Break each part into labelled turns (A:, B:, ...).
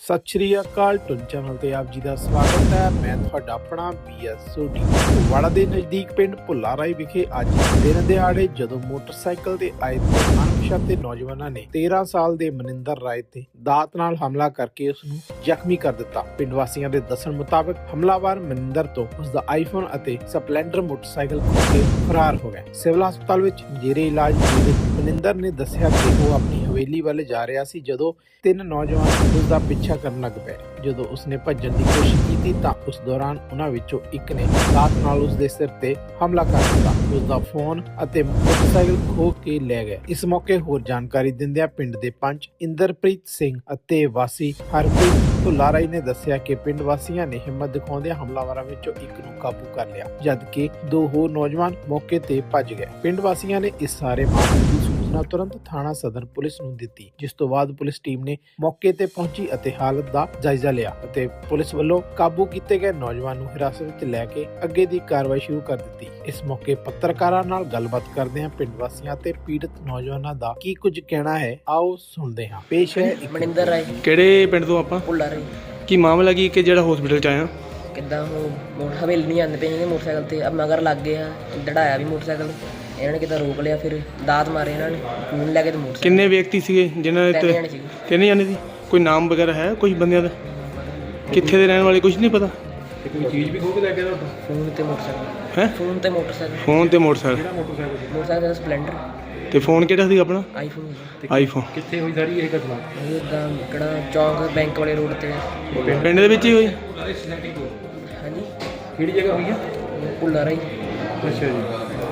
A: सत श्री अकाल टुन चैनल ते आप जी का स्वागत है। मैं ਤੁਹਾਡਾ ਆਪਣਾ BS ਸੋਢੀ। ਵਾੜਾ ਦੇ ਨਜ਼ਦੀਕ ਪਿੰਡ ਭੁੱਲਾ ਰਾਈ ਵਿਖੇ ਅੱਜ ਦਿਨ ਦਿਹਾੜੇ ਜਦੋਂ ਮੋਟਰਸਾਈਕਲ ਤੇ ਆਏ ਅਣਪਛਾਤੇ ਨੌਜਵਾਨਾਂ ਨੇ 13 ਸਾਲ ਦੇ ਮਨਿੰਦਰ ਰਾਏ ਤੇ ਦਾਤ ਨਾਲ ਹਮਲਾ ਕਰਕੇ ਉਸ ਨੂੰ ਜ਼ਖਮੀ ਕਰ ਦਿੱਤਾ। ਪਿੰਡ ਵਾਸੀਆਂ ਦੇ ਦੱਸਣ ਮੁਤਾਬਕ ਹਮਲਾਵਰ ਮਨਿੰਦਰ ਤੋਂ ਉਸ ਦਾ ਆਈਫੋਨ ਅਤੇ ਸਪਲੈਂਡਰ ਮੋਟਰਸਾਈਕਲ ਖੋਹ ਕੇ ਫਰਾਰ ਹੋ ਗਿਆ। ਸਿਵਲ ਹਸਪਤਾਲ ਵਿੱਚ ਜੇਰੇ ਇਲਾਜ ਮਨਿੰਦਰ ਨੇ ਦੱਸਿਆ ਕਿ ਉਹ ਆਪਣੀ ਹਵੇਲੀ ਵੱਲ ਜਾ ਰਿਹਾ ਸੀ ਜਦੋਂ ਤਿੰਨ ਨੌਜਵਾਨ ਉਸ ਦਾ ਪਿੱਛਾ ਕਰਨ ਲੱਗ ਪਏ। ਜਦੋਂ ਉਸਨੇ ਭੱਜਣ ਦੀ ਕੋਸ਼ਿਸ਼ ਕੀਤੀ ਤਾਂ ਉਸ ਦੌਰਾਨ ਉਹਨਾਂ ਵਿੱਚੋਂ ਇੱਕ ਨੇ ਦਾਤ ਨਾਲ ਉਸ ਦੇ ਸਿਰ ਤੇ ਹਮਲਾ ਕਰ ਦਿੱਤਾ। ਉਸ ਦਾ ਫੋਨ ਅਤੇ ਮੋਟਰਸਾਈਕਲ ਖੋਹ ਕੇ ਲੈ ਗਏ। ਇਸ ਮੌਕੇ ਹੋਰ ਜਾਣਕਾਰੀ ਦਿੰਦਿਆਂ ਪਿੰਡ ਦੇ ਪੰਚ ਇੰਦਰਪ੍ਰੀਤ ਸਿੰਘ ਅਤੇ ਵਾਸੀ ਹਰਪ੍ਰੀਤ ਭੁੱਲਾ ਰਾਈ ਨੇ ਦੱਸਿਆ ਕਿ ਪਿੰਡ ਵਾਸੀਆਂ ਨੇ ਹਿੰਮਤ ਦਿਖਾਉਂਦਿਆਂ ਹਮਲਾਵਰਾਂ ਵਿੱਚੋਂ ਇੱਕ ਨੂੰ ਕਾਬੂ ਕਰ ਲਿਆ, ਜਦਕਿ ਦੋ ਹੋਰ ਨੌਜਵਾਨ ਮੌਕੇ ਤੇ ਭੱਜ ਗਏ। ਪਿੰਡ ਵਾਸੀਆਂ ਨੇ ਇਸ ਸਾਰੇ ਮਾਮਲੇ ਦੀ ਸੂਚਨਾ ਤੁਰੰਤ ਥਾਣਾ ਸਦਰ ਪੁਲਿਸ ਨੂੰ ਦਿੱਤੀ, ਜਿਸ ਤੋਂ ਬਾਅਦ ਪੁਲਿਸ ਟੀਮ ਨੇ ਮੌਕੇ ਤੇ ਪਹੁੰਚੀ ਅਤੇ ਹਾਲਤ ਦਾ ਜਾਇਜ਼ਾ ਲਿਆ ਅਤੇ ਪੁਲਿਸ ਵੱਲੋਂ ਕਾਬੂ ਕੀਤੇ ਗਏ ਨੌਜਵਾਨ ਨੂੰ ਹਿਰਾਸਤ ਵਿੱਚ ਲੈ ਕੇ ਅੱਗੇ ਦੀ ਕਾਰਵਾਈ ਸ਼ੁਰੂ ਕਰ ਦਿੱਤੀ। ਇਸ ਮੌਕੇ ਪੱਤਰਕਾਰਾਂ ਨਾਲ ਗੱਲਬਾਤ ਕਰਦਿਆਂ ਪਿੰਡ ਵਾਸੀਆਂ ਤੇ ਪੀੜਤ ਨੌਜਵਾਨਾਂ ਦਾ ਕੀ ਕੁਝ ਕਹਿਣਾ ਹੈ, ਆਓ ਸੁਣਦੇ ਹਾਂ। ਪੇਸ਼ ਹੈ
B: ਮਨਿੰਦਰ ਰਾਏ।
C: ਕਿਹੜੇ ਪਿੰਡ ਤੋਂ ਆਪਾਂ?
B: ਭੁੱਲਾ ਰਾਏ।
C: ਕੀ ਮਾਮਲਾ ਕੀ ਕਿ ਜਿਹੜਾ ਹਸਪੀਟਲ ਚ ਆਇਆ?
B: ਕਿੱਦਾਂ ਉਹ ਹਵੇਲੀ ਨਹੀਂ ਆਉਂਦੇ ਪਏ ਨੇ ਮੋਟਰਸਾਈਕਲ ਤੇ, ਮਗਰ ਲੱਗ ਗਏ ਆ, ਡੜਾਇਆ ਵੀ ਮੋਟਰਸਾਈਕਲ। ਇਹਨਾਂ ਨੇ ਕਿੱਦਾਂ ਰੋਕ ਲਿਆ, ਫਿਰ ਦਾਤ ਮਾਰੇ ਇਹਨਾਂ ਨੇ, ਫੋਨ ਲੈ ਕੇ ਤੇ ਮੋਟਰਸਾਈਕਲ।
C: ਕਿੰਨੇ ਵਿਅਕਤੀ ਸੀਗੇ ਜਿਨ੍ਹਾਂ ਦੇ? ਤਿੰਨ ਜਾਣੇ ਸੀ। ਕੋਈ ਨਾਮ ਵਗੈਰਾ ਹੈ ਕੁਝ ਬੰਦਿਆਂ ਦਾ? ਕਿੱਥੇ ਦੇ ਰਹਿਣ ਵਾਲੇ ਕੁਝ ਨਹੀਂ ਪਤਾ? ਕੋਈ ਚੀਜ਼ ਵੀ ਖੋਹ ਕੇ ਲੈ ਗਿਆ ਤੁਹਾਡਾ?
B: ਫੋਨ ਤੇ ਮੋਟਰਸਾਈਕਲ
C: ਹੈ?
B: ਫੋਨ ਤੇ ਮੋਟਰਸਾਈਕਲ।
C: ਫੋਨ ਤੇ ਮੋਟਰਸਾਈਕਲ?
B: ਮੋਟਰਸਾਈਕਲ ਦਾ ਸਪਲੈਂਡਰ।
C: ਤੇ ਫੋਨ ਕਿਹੜਾ ਸੀ ਆਪਣਾ?
B: ਆਈਫੋਨ।
C: ਆਈਫੋਨ।
D: ਕਿੱਥੇ ਹੋਈ ਸਾਰੀ ਇਹ ਘਟਨਾ?
B: ਇਦਾਂ ਕਿਹੜਾ ਚੌਂਕ ਬੈਂਕ ਵਾਲੇ ਰੋਡ ਤੇ।
C: ਪਿੰਡ ਦੇ ਵਿੱਚ ਹੀ ਹੋਈ?
B: ਹਾਂਜੀ।
D: ਕਿਹੜੀ ਜਗ੍ਹਾ ਹੋਈ ਹੈ?
B: ਭੁੱਲਾ ਰਾਈ।
D: ਅੱਛਾ ਜੀ।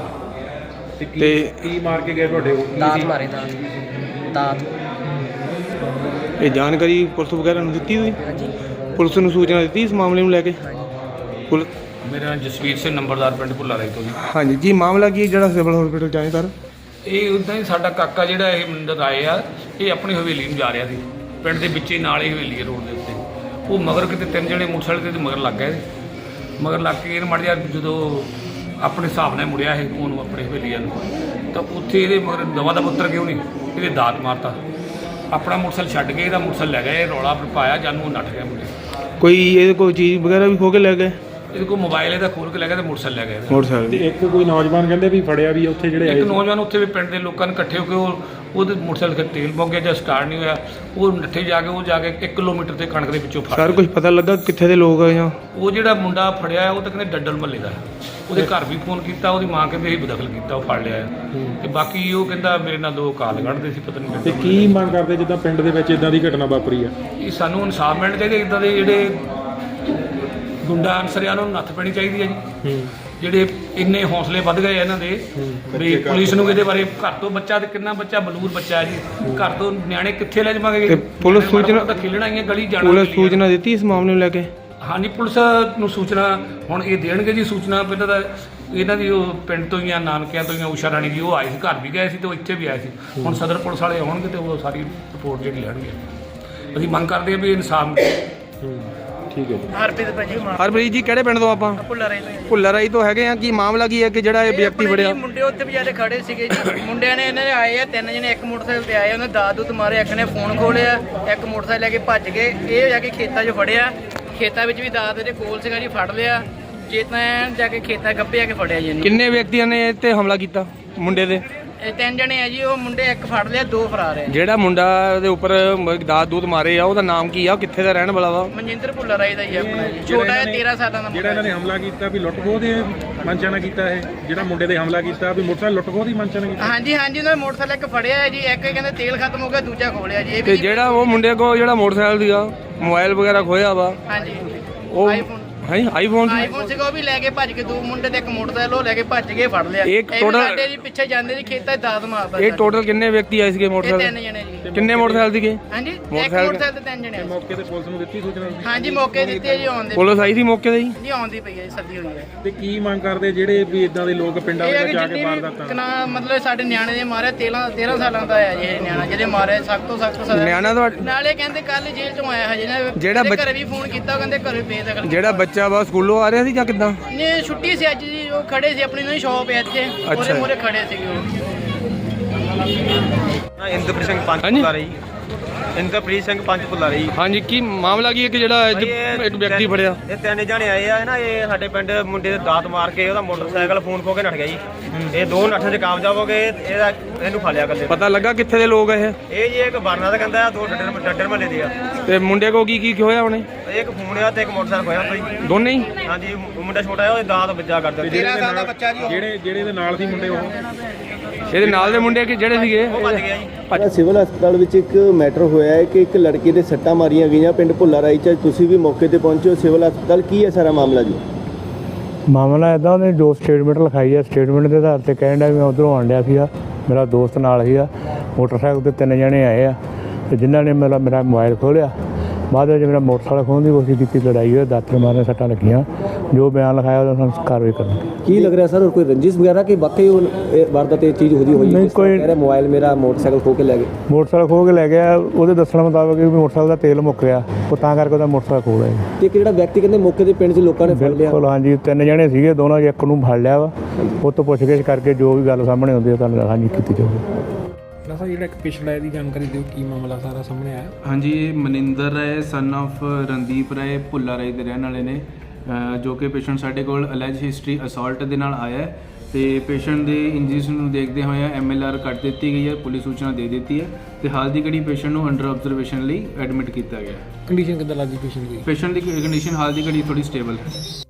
C: ਤੇ
D: ਕੀ ਮਾਰ ਕੇ ਗਏ ਤੁਹਾਡੇ?
B: ਦਾਤ ਮਾਰੇ, ਦਾਤ।
C: ਇਹ ਜਾਣਕਾਰੀ ਪੁਲਿਸ ਵਗੈਰਾ ਨੂੰ ਦਿੱਤੀ ਹੋਈ?
B: ਹਾਂਜੀ
C: ਪੁਲਿਸ ਨੂੰ ਸੂਚਨਾ ਦਿੱਤੀ ਇਸ ਮਾਮਲੇ ਨੂੰ ਲੈ ਕੇ?
B: ਹਾਂਜੀ।
C: ਪੁਲਿਸ?
E: ਮੇਰਾ ਨਾਮ ਜਸਵੀਰ ਸਿੰਘ, ਨੰਬਰਦਾਰ ਪਿੰਡ ਭੁੱਲਾ ਰਾਈ ਤੋਂ ਜੀ।
C: ਹਾਂਜੀ। ਕੀ ਮਾਮਲਾ ਕੀ ਜਿਹੜਾ ਸਿਵਲ ਹਸਪੀਟਲ ਚ ਆਏ ਸਰ?
E: ਇਹ ਉੱਦਾਂ ਹੀ ਸਾਡਾ ਕਾਕਾ ਜਿਹੜਾ ਇਹ ਮਨਿੰਦਰ ਰਾਏ ਆ, ਇਹ ਆਪਣੀ ਹਵੇਲੀ ਨੂੰ ਜਾ ਰਿਹਾ ਸੀ। ਪਿੰਡ ਦੇ ਵਿੱਚ ਹੀ ਨਾਲ ਹੀ ਹਵੇਲੀ ਹੈ ਰੋਡ ਦੇ ਉੱਤੇ। ਉਹ ਮਗਰ ਕਿਤੇ ਤਿੰਨ ਜਣੇ ਮੋਟਰਸਾਈਕਲ 'ਤੇ ਮਗਰ ਲੱਗ ਗਏ। ਮਗਰ ਲੱਗ ਕੇ ਇਹ ਮੜ ਜਾ ਜਦੋਂ ਆਪਣੇ ਹਿਸਾਬ ਨਾਲ ਮੁੜਿਆ ਇਹ ਉਹਨੂੰ ਆਪਣੇ ਹਵੇਲੀ ਨੂੰ, ਤਾਂ ਉੱਥੇ ਇਹਦੇ ਮਗਰ ਦਵਾ ਦਾ ਪੁੱਤਰ ਕਿਉਂ ਨਹੀਂ ਇਹਦੇ ਦਾਤ ਮਾਰਤਾ। ਆਪਣਾ ਮੋਟਰਸਾਈਕਲ ਛੱਡ ਕੇ ਇਹਦਾ ਮੋਟਰਸਾਈਕਲ ਲੈ ਗਏ। ਇਹ ਰੌਲਾ ਪਾਇਆ, ਜਾਨੂੰ ਉਹ ਨੱਠ ਗਿਆ ਮੁੰਡੇ।
C: ਕੋਈ ਇਹਦੇ ਕੋਈ ਚੀਜ਼ ਵਗੈਰਾ ਵੀ ਖੋਹ ਕੇ ਲੈ ਗਏ?
E: ਇਹਦੇ ਕੋਲ ਮੋਬਾਈਲ ਇਹਦਾ ਖੋਲ ਕੇ ਲੈ ਗਿਆ ਤੇ ਮੋਟਰਸਾਈਕਲ ਲੈ ਗਏ।
C: ਮੋਟਰਸਾਈਕਲ
D: ਤੇ ਇੱਕ ਕੋਈ ਨੌਜਵਾਨ ਕਹਿੰਦੇ ਵੀ ਫੜਿਆ ਵੀ ਉੱਥੇ ਜਿਹੜੇ
E: ਇੱਕ ਨੌਜਵਾਨ ਉੱਥੇ ਵੀ ਪਿੰਡ ਦੇ ਲੋਕਾਂ ਨੇ ਇਕੱਠੇ ਹੋ ਕੇ ਉਹਦੇ ਮੋਟਰਸਾਈਕਲ 'ਤੇ ਤੇਲ ਮੁੱਕ ਗਿਆ ਜਾਂ ਸਟਾਰਟ ਨਹੀਂ ਹੋਇਆ। ਉਹ ਨੱਠੇ ਜਾ ਕੇ 1 ਕਿਲੋਮੀਟਰ ਤੇ ਕਣਕ ਦੇ ਵਿੱਚੋਂ ਫੜ
C: ਸਰ ਕੁਝ ਪਤਾ ਲੱਗਾ ਕਿੱਥੇ ਦੇ ਲੋਕ ਆ ਜਾਂ?
E: ਉਹ ਜਿਹੜਾ ਮੁੰਡਾ ਫੜਿਆ ਉਹ ਤਾਂ ਕਹਿੰਦੇ ਡੱਡਲ ਮੱਲੇ ਦਾ। ਉਹਦੇ ਘਰ ਵੀ ਫੋਨ ਕੀਤਾ, ਉਹਦੀ ਮਾਂ ਕਹਿੰਦੇ ਅਸੀਂ ਬਦਖਲ ਕੀਤਾ, ਉਹ ਫੜ ਲਿਆ। ਤੇ ਬਾਕੀ ਉਹ ਕਹਿੰਦਾ ਮੇਰੇ ਨਾਲ 2 ਕਾਲ ਕੱਢਦੇ ਸੀ, ਪਤਾ ਨਹੀਂ।
D: ਤੇ ਕੀ ਮੰਗ ਕਰਦੇ ਜਿੱਦਾਂ ਪਿੰਡ ਦੇ ਵਿੱਚ ਇਦਾਂ ਦੀ ਘਟਨਾ ਵਾਪਰੀ ਆ?
E: ਇਹ ਸਾਨੂੰ ਇਨਸਾਫ ਮਿਲਣਾ ਚਾਹੀਦਾ। ਇੱਦਾਂ ਦੇ ਜਿਹੜੇ ਗੁੰਡਾ ਅਨਸਰਿਆਂ ਨੂੰ ਨੱਥ ਪੈਣੀ ਚਾਹੀਦੀ ਹੈ ਜੀ। ਜਿਹੜੇ ਇੰਨੇ ਹੌਸਲੇ ਵੱਧ ਗਏ ਇਹਨਾਂ ਦੇ ਵੀ ਪੁਲਿਸ ਨੂੰ ਇਹਦੇ ਬਾਰੇ ਘਰ ਤੋਂ ਬੱਚਾ ਤੇ ਕਿੰਨਾ ਬੱਚਾ ਬਲੂਰ ਬੱਚਾ ਹੈ ਜੀ, ਘਰ ਤੋਂ ਨਿਆਣੇ ਕਿੱਥੇ ਲੈ ਜਾਵਾਂਗੇ?
C: ਤੇ ਪੁਲਿਸ ਸੂਚਨਾ
E: ਤਾਂ ਖੇਲਣਾ ਹੀ ਹੈ, ਗਲੀ ਜਾਣਾ।
C: ਪੁਲਿਸ ਸੂਚਨਾ ਦਿੱਤੀ ਇਸ ਮਾਮਲੇ ਨੂੰ ਲੈ ਕੇ?
E: ਹਾਂਜੀ, ਪੁਲਿਸ ਨੂੰ ਸੂਚਨਾ ਹੁਣ ਇਹ ਦੇਣਗੇ ਜੀ ਸੂਚਨਾ। ਪਹਿਲਾਂ ਤਾਂ ਇਹਨਾਂ ਦੀ ਉਹ ਪਿੰਡ ਤੋਂ ਹੀ ਆ, ਨਾਨਕਿਆਂ ਤੋਂ ਹੀ ਆ, ਊਸ਼ਾ ਰਾਣੀ ਜੀ ਉਹ ਆਏ ਸੀ, ਘਰ ਵੀ ਗਏ ਸੀ ਤੇ ਉਹ ਇੱਥੇ ਵੀ ਆਏ ਸੀ। ਹੁਣ ਸਦਰ ਪੁਲਿਸ ਵਾਲੇ ਆਉਣਗੇ ਤੇ ਉਹ ਸਾਰੀ ਰਿਪੋਰਟ ਜਿਹੜੀ ਲੈਣਗੇ। ਅਸੀਂ ਮੰਗ ਕਰਦੇ ਹਾਂ ਵੀ ਇਨਸਾਫ।
D: ਠੀਕ ਹੈ ਜੀ।
C: ਹਰਪ੍ਰੀਤ ਜੀ ਕਿਹੜੇ ਪਿੰਡ ਤੋਂ ਆਪਾਂ?
F: ਭੁੱਲਾ ਰਾਈ ਤੋਂ।
C: ਭੁੱਲਾ ਰਾਈ ਤੋਂ ਹੈਗੇ ਆ। ਕੀ ਮਾਮਲਾ ਕੀ ਹੈ ਕਿ ਜਿਹੜਾ ਇਹ ਵਿਅਕਤੀ ਫੜਿਆ?
F: ਮੁੰਡੇ ਉੱਥੇ ਵਿਚਾਰੇ ਖੜੇ ਸੀਗੇ ਜੀ। ਮੁੰਡਿਆਂ ਨੇ ਇਹਨਾਂ ਦੇ ਆਏ ਆ, 3 ਜਣੇ ਇੱਕ ਮੋਟਰਸਾਈਕਲ ਤੇ ਆਏ। ਉਹਨੇ ਦਾਦੂਤ ਮਾਰੇ, ਇੱਕ ਨੇ ਫੋਨ ਖੋਲਿਆ, ਇੱਕ ਮੋਟਰਸਾਈਕਲ ਲੈ ਕੇ ਭੱਜ ਗਏ। ਇਹ ਜਾ ਕੇ ਖੇਤਾਂ 'ਚ ਫੜਿਆ। ਖੇਤਾਂ ਵਿੱਚ ਵੀ ਦਾਦ ਦੇ ਕੋਲ ਸੀਗਾ ਜੀ, ਫੜ ਲਿਆ। ਜੇ ਤਾਂ ਜਾ ਕੇ ਖੇਤਾਂ ਗੱਭੇ ਆ ਕੇ ਫੜਿਆ ਜੀ ਇਹਨੂੰ।
C: ਕਿੰਨੇ ਵਿਅਕਤੀਆਂ ਨੇ ਇਹ ਤੇ ਹਮਲਾ ਕੀਤਾ ਮੁੰਡੇ ਦੇ?
F: ਇਹ 3 ਜਣੇ ਆ ਜੀ। ਉਹ ਮੁੰਡੇ ਇੱਕ ਫੜ ਲਿਆ, 2 ਫਰਾਰ ਹੈ।
C: ਜਿਹੜਾ ਮੁੰਡਾ ਦੇ ਉੱਪਰ ਦਾਤ ਦੂਤ ਮਾਰੇ ਆ ਉਹਦਾ ਨਾਮ ਕੀ ਆ? ਕਿੱਥੇ ਦਾ ਰਹਿਣ ਵਾਲਾ ਵਾ?
F: ਮਨਜਿੰਦਰ ਭੁੱਲਾ ਰਾਈ ਦਾ ਜੀ ਆਪਣਾ ਜੀ। ਛੋਟਾ ਹੈ, 13 ਸਾਲਾਂ ਦਾ
D: ਜਿਹੜਾ ਇਹਨਾਂ ਨੇ ਹਮਲਾ ਕੀਤਾ ਵੀ ਲੁੱਟ ਖੋਹ ਦੇ ਮਨਸ਼ਾ ਨਾਲ ਕੀਤਾ? ਇਹ ਜਿਹੜਾ ਮੁੰਡੇ ਦੇ ਹਮਲਾ ਕੀਤਾ ਵੀ ਮੋਟਰਸਾਈਕਲ ਲੁੱਟ ਖੋਹ ਦੀ ਮਨਸ਼ਾ ਨਾਲ ਕੀਤਾ?
F: ਹਾਂਜੀ ਉਹਨਾਂ ਨੇ ਮੋਟਰਸਾਈਕਲ ਇੱਕ ਫੜਿਆ ਹੈ ਜੀ। ਇੱਕ ਕਹਿੰਦੇ ਤੇਲ ਖਤਮ ਹੋ ਗਿਆ, ਦੂਜਾ ਖੋਲਿਆ ਜੀ। ਇਹ
C: ਤੇ
F: ਵੀ
C: ਜਿਹੜਾ ਉਹ ਮੁੰਡੇ ਕੋਲ ਜਿਹੜਾ ਮੋਟਰਸਾਈਕਲ ਸੀਗਾ, ਮੋਬਾਈਲ ਵਗੈਰਾ ਖੋਇਆ ਵਾ,
F: ਹਾਂਜੀ
C: ਉਹ
F: ਆਈਫੋਨ
C: ਆਈਫੋਨ
F: ਸੀਗਾ, ਉਹ ਵੀ ਲੈ ਕੇ ਭੱਜ ਕੇ। 2 ਮੁੰਡੇ ਤੇ ਇੱਕ ਮੋਟਰਸਾਈਕਲ ਉਹ ਲੈ ਕੇ ਭੱਜ ਕੇ ਫੜ ਲਿਆ।
C: ਇੱਕ total-
F: ਸਾਡੇ ਜੀ ਪਿੱਛੇ ਜਾਂਦੇ ਜੀ, ਖੇਤਾਂ 'ਚ ਦਾਦ ਮਾਰਦਾ।
C: ਇਹ ਟੋਟਲ ਕਿੰਨੇ ਵਿਅਕਤੀ ਆਏ ਸੀਗੇ
F: ਇਹ 3
C: ਮੋਟਰਸਾਈਕਲ?
F: ਜਣੇ ਜੀ।
C: ਕਿੰਨੇ ਮੋਟਰਸਾਈਕਲ ਸੀਗੇ?
F: ਹਾਂਜੀ, ਇੱਕ
C: ਮੋਟਰਸਾਈਕਲ
F: ਮੋਟਰਸਾਈਕਲ ਤੇ 3 ਜਣੇ।
D: ਮੌਕੇ ਤੇ ਪੁਲਿਸ ਨੂੰ ਦਿੱਤੀ ਸੂਚਨਾ?
F: ਹਾਂਜੀ, ਮੌਕੇ ਦਿੱਤੀ ਹੈ ਜੀ। ਆਉਂਦੇ
C: ਪੁਲਿਸ ਆਈ ਸੀ ਮੌਕੇ ਤੇ ਜੀ?
F: ਜੀ, ਆਉਂਦੀ ਪਈ ਹੈ ਜੀ, ਸੱਦੀ ਹੋਈ ਹੈ।
D: ਤੇ ਕੀ ਮੰਗ ਕਰਦੇ ਜਿਹੜੇ ਵੀ ਇਦਾਂ ਦੇ ਲੋਕ ਪਿੰਡਾਂ
F: ਇਹ ਹੈ
D: ਵਿੱਚ
F: ਕਿ
D: ਜਾ ਕੇ
F: ਜਿੰਨੀ
D: ਵਾਰਦਾਤਾਂ?
F: ਵੀ ਮਤਲਬ ਸਾਡੇ ਨਿਆਣੇ ਦੇ ਮਾਰੇ 13 ਸਾਲਾਂ ਦਾ ਹੈ ਜੀ ਇਹ ਨਿਆਣਾ, ਜਿਹਦੇ ਮਾਰੇ ਸਖਤ ਤੋਂ ਸਖਤ ਸਜ਼ਾ।
C: ਨਿਆਣਾ ਤਾਂ
F: ਨਾਲੇ ਕਹਿੰਦੇ ਕੱਲ ਜੇਲ੍ਹ ਚੋਂ ਆਇਆ ਹਜੇ ਨਾ।
C: ਜਿਹੜਾ
F: ਇਹਦੇ ਘਰੇ ਵੀ ਫੋਨ ਕੀਤਾ, ਉਹ ਕਹਿੰਦੇ ਘਰੇ ਬੇਦਖਲ।
C: ਜਿਹੜਾ ਬੱਚਾ ਵਾ ਸਕੂਲੋਂ ਆ ਰਿਹਾ ਸੀ ਜਾਂ ਕਿੱਦਾਂ?
F: ਨੇ ਛੁੱਟੀ ਸੀ ਅੱਜ ਜੀ। ਉਹ ਖੜੇ ਸੀ, ਆਪਣੀ ਸ਼ੌਪ ਹੈ ਇੱਥੇ, ਉਹਦੇ ਮੂਹਰੇ ਖੜੇ ਸੀਗੇ ਉਹ।
G: ਇੰਦਰਪ੍ਰੀਤ ਸਿੰਘ ਪੰਚ
C: ਹਾਂਜੀ।
G: ਭੁੱਲਾ ਰਾਈ। ਇੰਦਰਪ੍ਰੀਤ ਸਿੰਘ ਪੰਜ ਭੁੱਲਾ ਰਹੀ।
C: ਹਾਂਜੀ ਕੀ ਮਾਮਲਾ ਕੀ ਹੈ ਕਿ ਜਿਹੜਾ ਅੱਜ ਇੱਕ ਵਿਅਕਤੀ ਫੜਿਆ?
G: ਇਹ 3 ਜਣੇ ਆਏ ਆ ਨਾ, ਇਹ ਸਾਡੇ ਪਿੰਡ ਮੁੰਡੇ ਦੇ ਦਾਤ ਮਾਰ ਕੇ ਉਹਦਾ ਮੋਟਰਸਾਈਕਲ ਫੋਨ ਖੋ ਕੇ ਨੱਠ ਗਿਆ ਜੀ। ਇਹ 2 ਨੱਠਣ 'ਚ ਕਾਮਯਾਬ ਹੋ ਗਏ। ਇਹਨੂੰ ਫੜ ਲਿਆ ਇਕੱਲੇ।
C: ਪਤਾ ਲੱਗਾ ਕਿੱਥੇ ਦੇ ਲੋਕ ਆ ਇਹ?
G: ਇਹ ਜੀ ਇੱਕ ਬਰਨਾ ਦਾ ਕਹਿੰਦਾ, 2 ਡੱਡਰ ਮਹੱਲੇ ਦੇ ਆ।
C: ਤੇ ਮੁੰਡੇ ਕੋ ਕੀ ਹੋਇਆ ਉਹਨੇ?
G: ਇੱਕ ਫੋਨ ਆ ਤੇ ਇੱਕ ਮੋਟਰਸਾਈਕਲ ਖੋਇਆ ਕੋਈ।
C: ਦੋਨੇ ਹੀ?
G: ਹਾਂਜੀ, ਮੁੰਡਾ ਛੋਟਾ ਆ, ਉਹਦੇ ਦਾਤ ਵੱਜਾ ਕਰਦਾ।
D: 13 ਸਾਲ ਦਾ ਬੱਚਾ ਜੀ। ਜਿਹੜੇ ਦੇ ਨਾਲ ਸੀ ਮੁੰਡੇ ਉਹ
C: ਇਹਦੇ ਨਾਲ ਦੇ ਮੁੰਡੇ ਕਿ ਜਿਹੜੇ ਸੀਗੇ
G: ਉਹ ਭੱਜ ਗਿਆ ਜੀ।
H: ਸਿਵਲ ਹਸਪਤਾਲ ਵਿੱਚ ਇੱਕ ਮੈਟਰ ਹੋਇਆ ਹੈ ਕਿ ਇੱਕ ਲੜਕੇ ਦੇ ਸੱਟਾਂ ਮਾਰੀਆਂ ਗਈਆਂ ਪਿੰਡ ਭੁੱਲਾ ਰਾਈ 'ਚ। ਤੁਸੀਂ ਵੀ ਮੌਕੇ ਤੇ ਪਹੁੰਚੇ ਹੋ ਸਿਵਲ ਹਸਪਤਾਲ, ਕੀ ਹੈ ਸਾਰਾ ਮਾਮਲਾ ਜੀ?
I: ਮਾਮਲਾ ਇੱਦਾਂ, ਉਹਨੇ ਜੋ ਸਟੇਟਮੈਂਟ ਲਿਖਾਈ ਹੈ, ਸਟੇਟਮੈਂਟ ਦੇ ਆਧਾਰ ਤੇ ਕਹਿਣ ਡਿਆ ਵੀ ਮੈਂ ਉੱਧਰੋਂ ਆਉਣ ਡਿਆ ਸੀਗਾ, ਮੇਰਾ ਦੋਸਤ ਨਾਲ ਸੀਗਾ, ਮੋਟਰਸਾਈਕਲ ਤੇ 3 ਜਣੇ ਆਏ ਆ ਤੇ ਜਿਨ੍ਹਾਂ ਨੇ ਮੇਰਾ ਮੋਬਾਈਲ ਖੋਲ੍ਹਿਆ। ਬਾਅਦ ਵਿੱਚ ਮੇਰਾ ਮੋਟਰਸਾਈਕਲ ਖੋਹਣ ਦੀ ਕੋਸ਼ਿਸ਼ ਕੀਤੀ, ਲੜਾਈ ਹੋਈ, ਦਾਤਰ ਮਾਰਨ ਸੱਟਾਂ ਲੱਗੀਆਂ। ਜੋ ਬਿਆਨ ਲਿਖਾਇਆ ਉਹਦਾ ਸਾਨੂੰ ਕਾਰਵਾਈ ਕਰਨੀ।
H: ਕੀ ਲੱਗ ਰਿਹਾ ਸਰ, ਕੋਈ ਰੰਜਿਸ਼ ਵਗੈਰਾ ਕਿ ਵਾਕਈ ਵਾਰਦਾਤ ਇਹ ਚੀਜ਼ ਹੋਈ
I: ਨਹੀਂ, ਕੋਈ
H: ਕਹਿ ਰਿਹਾ ਮੋਬਾਈਲ ਮੇਰਾ ਮੋਟਰਸਾਈਕਲ ਖੋ ਕੇ ਲੈ ਗਏ?
I: ਮੋਟਰਸਾਈਕਲ ਖੋਹ ਕੇ ਲੈ ਗਿਆ, ਉਹਦੇ ਦੱਸਣ ਮੁਤਾਬਕ ਵੀ ਮੋਟਰਸਾਈਕਲ ਦਾ ਤੇਲ ਮੁੱਕ ਗਿਆ, ਉਹ ਤਾਂ ਕਰਕੇ ਉਹਦਾ ਮੋਟਰਸਾਈਕਲ ਖੋਹ ਲਿਆ।
H: ਤੇ ਇੱਕ ਜਿਹੜਾ ਵਿਅਕਤੀ ਕਹਿੰਦੇ ਮੌਕੇ ਦੇ ਪਿੰਡ 'ਚ ਲੋਕਾਂ ਨੇ ਫੜ ਲਿਆ।
I: ਬਿਲਕੁਲ ਹਾਂਜੀ, 3 ਜਣੇ ਸੀਗੇ, ਦੋਨੋਂ ਇੱਕ ਨੂੰ ਫੜ ਲਿਆ ਵਾ। ਉਹ ਤੋਂ ਪੁੱਛਗਿੱਛ ਕਰਕੇ ਜੋ ਵੀ ਗੱਲ ਸਾਹਮਣੇ ਆਉਂਦੀ ਹੈ ਤੁਹਾਨੂੰ ਹਾਂਜੀ ਕੀਤੀ ਜਾਊਗੀ।
J: ਸਰ ਜਿਹੜਾ ਇੱਕ ਪੇਸ਼ੈਂਟ ਆਇਆ ਦੀ ਜਾਣਕਾਰੀ ਦਿਓ, ਕੀ ਮਾਮਲਾ ਸਾਰਾ ਸਾਹਮਣੇ ਆਇਆ?
K: ਹਾਂਜੀ, ਇਹ ਮਨਿੰਦਰ ਰਾਏ ਸਨ ਆਫ ਰਣਦੀਪ ਰਾਏ ਭੁੱਲਾ ਰਾਏ ਦੇ ਰਹਿਣ ਵਾਲੇ ਨੇ, ਜੋ ਕਿ ਪੇਸ਼ੈਂਟ ਸਾਡੇ ਕੋਲ ਅਲੈਜ ਹਿਸਟਰੀ ਅਸੌਲਟ ਦੇ ਨਾਲ ਆਇਆ ਹੈ ਤੇ ਪੇਸ਼ੈਂਟ ਦੇ ਇੰਜਰੀਜ਼ ਨੂੰ ਦੇਖਦੇ ਹੋਏ MLR ਕੱਟ ਦਿੱਤੀ ਗਈ ਹੈ, ਪੁਲਿਸ ਸੂਚਨਾ ਦੇ ਦਿੱਤੀ ਹੈ ਤੇ ਹਾਲ ਦੀ ਘੜੀ ਪੇਸ਼ੈਂਟ ਨੂੰ ਅੰਡਰ ਆਬਜ਼ਰਵੇਸ਼ਨ ਲਈ ਐਡਮਿਟ ਕੀਤਾ ਗਿਆ।
J: ਕੰਡੀਸ਼ਨ ਕਿੱਦਾਂ ਲੱਗਦੀ ਪੇਸ਼ੈਂਟ ਦੀ?
K: ਪੇਸ਼ੈਂਟ ਦੀ ਕੰਡੀਸ਼ਨ ਹਾਲ ਦੀ ਘੜੀ ਥੋੜੀ ਸਟੇਬਲ ਹੈ।